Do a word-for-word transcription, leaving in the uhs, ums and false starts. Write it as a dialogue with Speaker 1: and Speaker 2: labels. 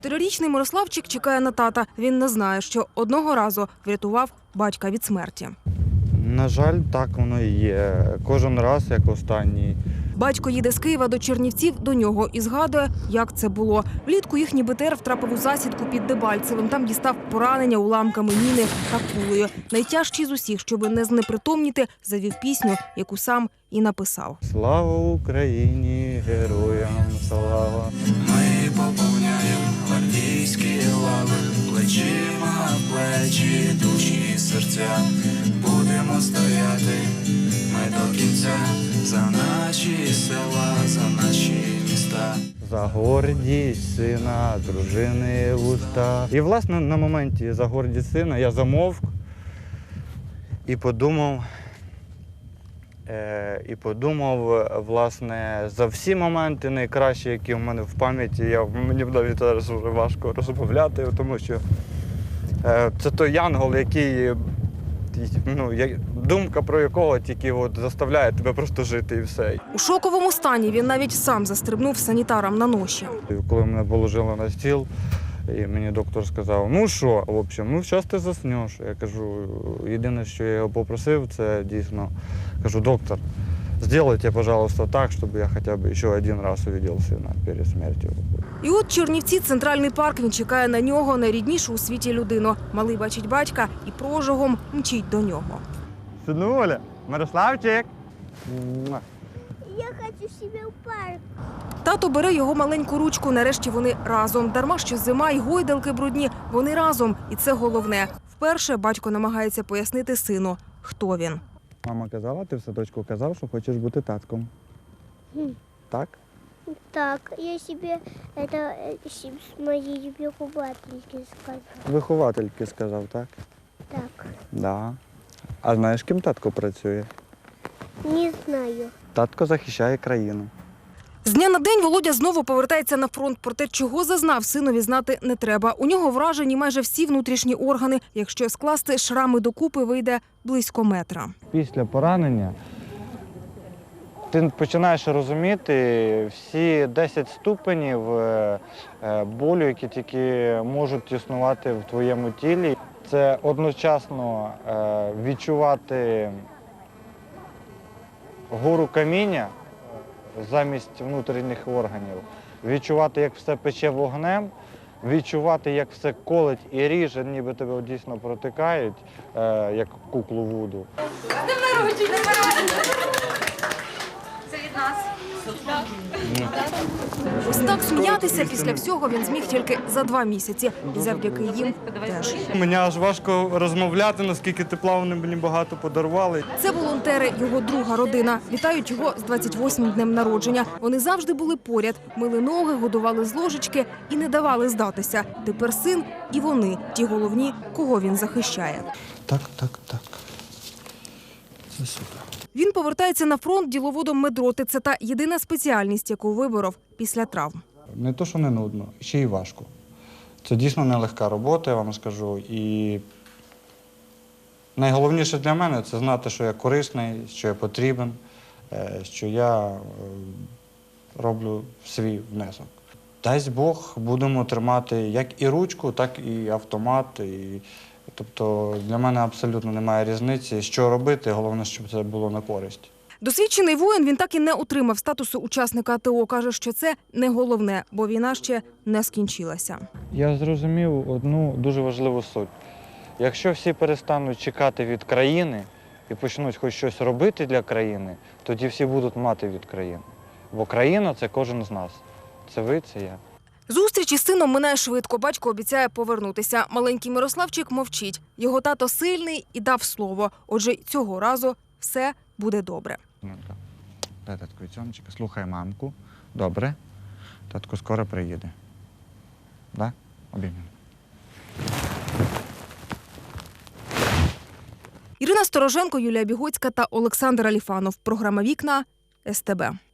Speaker 1: Трирічний Мирославчик чекає на тата. Він не знає, що одного разу врятував батька від смерті.
Speaker 2: На жаль, так воно і є. Кожен раз, як останній.
Speaker 1: Батько їде з Києва до Чернівців до нього і згадує, як це було. Влітку їхній Бе Те Ер втрапив у засідку під Дебальцевим. Там дістав поранення уламками міни та кулею. Найтяжчий з усіх, щоби не знепритомніти, завів пісню, яку сам і написав.
Speaker 2: Слава Україні, героям слава.
Speaker 3: Ми поповняємо гвардійські лави, плечима в плечі, душі і серця. Будемо стояти ми до кінця за наші села, за наші міста.
Speaker 2: За гордість сина, дружини вуста. І, власне, на моменті за гордість сина я замовк і подумав, е, і подумав, власне, за всі моменти найкращі, які в мене в пам'яті. Я, мені навіть зараз вже важко розмовляти, тому що е, це той янгол, який, ну, я, думка про якого тільки от заставляє тебе просто жити і все.
Speaker 1: У шоковому стані він навіть сам застрибнув санітарам на ноші.
Speaker 2: Коли мене положили на стіл, і мені доктор сказав, ну що, в общем, ну зараз ти заснеш. Я кажу, єдине, що я його попросив, це дійсно, кажу, доктор, зробіть, пожалуйста, так, щоб я хоча б ще один раз побачив сина перед смертю.
Speaker 1: І от Чернівці, центральний парк, він чекає на нього, найріднішу у світі людину. Малий бачить батька і прожогом мчить до нього.
Speaker 2: Синуля, Мирославчик.
Speaker 4: Я хочу себе в парк.
Speaker 1: Тато бере його маленьку ручку, нарешті вони разом. Дарма, що зима й гойдалки брудні, вони разом. І це головне. Вперше батько намагається пояснити сину, хто він.
Speaker 2: Мама казала, ти в садочку казав, що хочеш бути татком. Так?
Speaker 4: Так, я себе это э, с моей выховательки сказала.
Speaker 2: Виховательки сказав, так?
Speaker 4: Так,
Speaker 2: Да. А знаєш, ким татко працює?
Speaker 4: не знаю.
Speaker 2: Татко захищає країну.
Speaker 1: З дня на день Володя знову повертається на фронт. Проте, чого зазнав, синові знати не треба. У нього вражені майже всі внутрішні органи. Якщо скласти шрами докупи, вийде близько метра.
Speaker 2: Після поранення ти починаєш розуміти всі десять ступенів е, е, болю, які тільки можуть існувати в твоєму тілі. Це одночасно е, відчувати гору каміння замість внутрішніх органів, відчувати, як все пече вогнем, відчувати, як все колить і ріже, ніби тебе дійсно протикають, е, як куклу Вуду.
Speaker 1: Ось так сміятися після всього він зміг тільки за два місяці. І завдяки їм теж.
Speaker 2: Мені аж важко розмовляти, наскільки тепла вони мені багато подарували.
Speaker 1: Це волонтери, його друга родина. Вітають його з двадцять восьмим днем народження. Вони завжди були поряд, мили ноги, годували з ложечки і не давали здатися. Тепер син і вони – ті головні, кого він захищає.
Speaker 2: Так, так, так. Це сюди.
Speaker 1: Він повертається на фронт діловодом медроти. Це та єдина спеціальність, яку виборов після травм.
Speaker 2: Не то, що не нудно, ще й важко. Це дійсно нелегка робота, я вам скажу. І найголовніше для мене – це знати, що я корисний, що я потрібен, що я роблю свій внесок. Дасть Бог, будемо тримати як і ручку, так і автомат. І, тобто для мене абсолютно немає різниці, що робити, головне, щоб це було на користь.
Speaker 1: Досвідчений воїн, він так і не отримав статусу учасника А Те О. Каже, що це не головне, бо війна ще не скінчилася.
Speaker 2: Я зрозумів одну дуже важливу суть. Якщо всі перестануть чекати від країни і почнуть хоч щось робити для країни, тоді всі будуть мати від країни. Бо країна – це кожен з нас. Це ви, це я.
Speaker 1: Зустріч із сином минає швидко. Батько обіцяє повернутися. Маленький Мирославчик мовчить. Його тато сильний і дав слово. Отже, цього разу все буде добре.
Speaker 2: Дай татку цьоночка, слухай мамку. Добре. Татко скоро приїде. Да? Обіймемо.
Speaker 1: Ірина Стороженко, Юлія Бігоцька та Олександр Аліфанов. Програма «Вікна» Ес Те Бе.